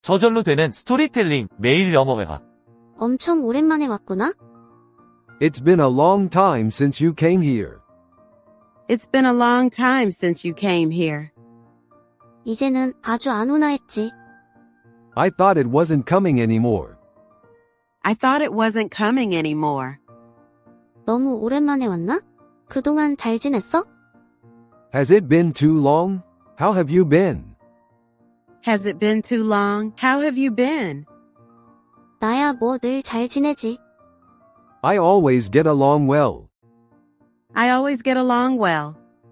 저절로 되는 스토리텔링 매일 영어회화. 엄청 오랜만에 왔구나? It's been a long time since you came here. It's been a long time since you came here. 이제는 아주 안 오나 했지. I thought it wasn't coming anymore. I thought it wasn't coming anymore. 너무 오랜만에 왔나? 그동안 잘 지냈어? Has it been too long? How have you been? Has it been too long? How have you been? 나야 뭐 늘 잘 지내지. I always get along well. I always get along well.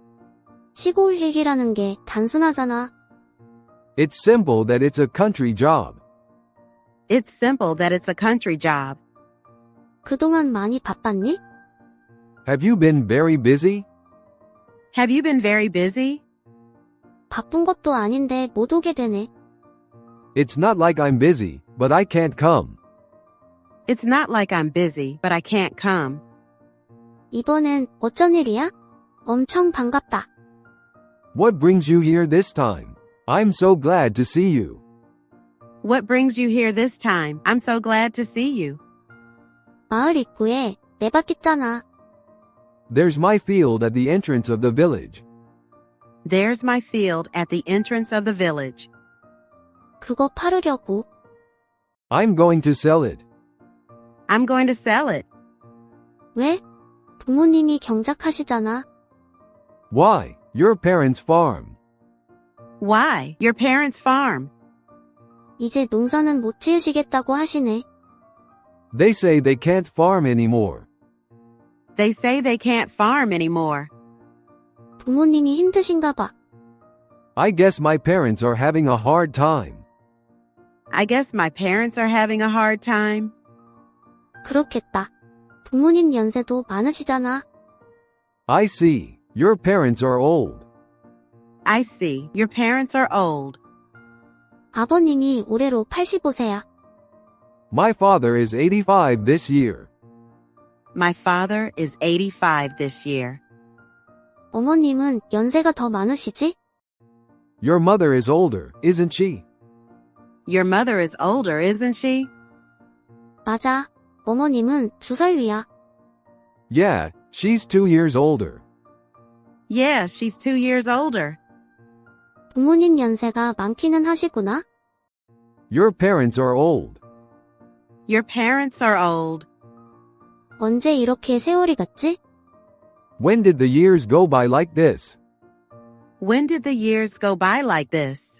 시골 일이라는 게 단순하잖아. It's simple that it's a country job. It's simple that it's a country job. 그동안 많이 바빴니? Have you been very busy? Have you been very busy? 바쁜 것도 아닌데 못 오게 되네. It's not like I'm busy, but I can't come. It's not like I'm busy, but I can't come. 이번엔 어쩐 일이야? 엄청 반갑다. What brings you here this time? I'm so glad to see you. What brings you here this time? I'm so glad to see you. 마을 입구에 내 밭 있잖아. There's my field at the entrance of the village. There's my field at the entrance of the village. 그거 팔으려고. I'm going to sell it. I'm going to sell it. 왜? 부모님이 경작하시잖아. Why? Your parents' farm. Why? Your parents' farm. 이제 농사는 못 지으시겠다고 하시네. They say they can't farm anymore. They say they can't farm anymore. 부모님이 힘드신가 봐. I guess my parents are having a hard time. I guess my parents are having a hard time. 그렇겠다. 부모님 연세도 많으시잖아. I see. Your parents are old. I see. Your parents are old. 아버님이 올해로 85세야. My father is 85 this year. My father is 85 this year. 어머님은 연세가 더 많으시지? Your mother is older, isn't she? Your mother is older, isn't she? 맞아. 어머님은 2살 위야. Yeah, she's 2 years older. Yeah, she's 2 years older. 부모님 연세가 많기는 하시구나. Your parents are old. Your parents are old. 언제 이렇게 세월이 갔지? When did the years go by like this? When did the years go by like this?